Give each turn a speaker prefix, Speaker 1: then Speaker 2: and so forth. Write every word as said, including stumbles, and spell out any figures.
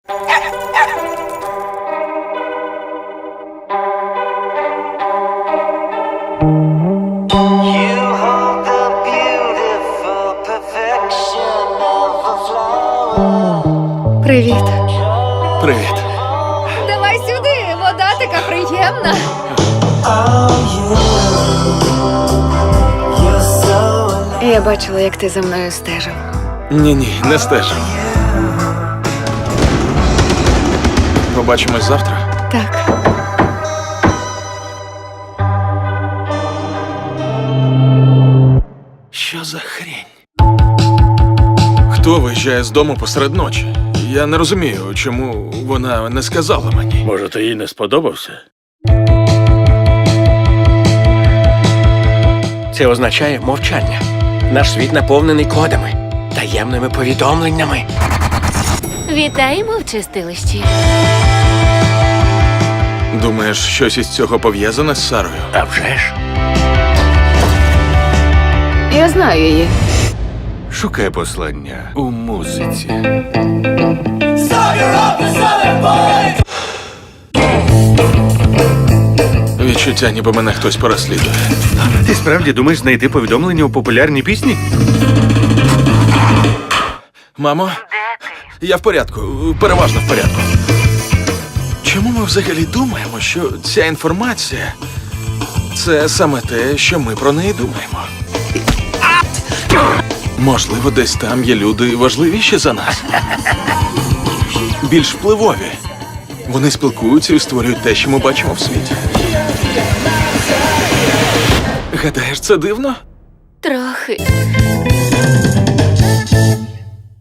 Speaker 1: Привіт.
Speaker 2: Привіт.
Speaker 1: Давай сюди, вода така приємна. Я бачила, як ти за мною стежив.
Speaker 2: Ні-ні, не стежу. Побачимось завтра.
Speaker 1: Так.
Speaker 2: Що за хрінь? Хто виїжджає з дому посеред ночі? Я не розумію, чому вона не сказала мені.
Speaker 3: Може, ти їй не сподобався?
Speaker 4: Це означає мовчання. Наш світ наповнений кодами, таємними повідомленнями.
Speaker 5: Вітаємо в чистилищі.
Speaker 2: Думаєш, щось із цього пов'язане з Сарою?
Speaker 4: А вже ж.
Speaker 1: Я знаю її.
Speaker 3: Шукай послання у музиці.
Speaker 2: Відчуття, ніби мене хтось переслідує.
Speaker 3: Ти справді думаєш знайти повідомлення у популярній пісні?
Speaker 2: Мамо? Я в порядку, переважно в порядку. Чому ми взагалі думаємо, що ця інформація – це саме те, що ми про неї думаємо? Можливо, десь там є люди важливіші за нас. Більш впливові. Вони спілкуються і створюють те, що ми бачимо в світі. Гадаєш, це дивно?
Speaker 5: Трохи.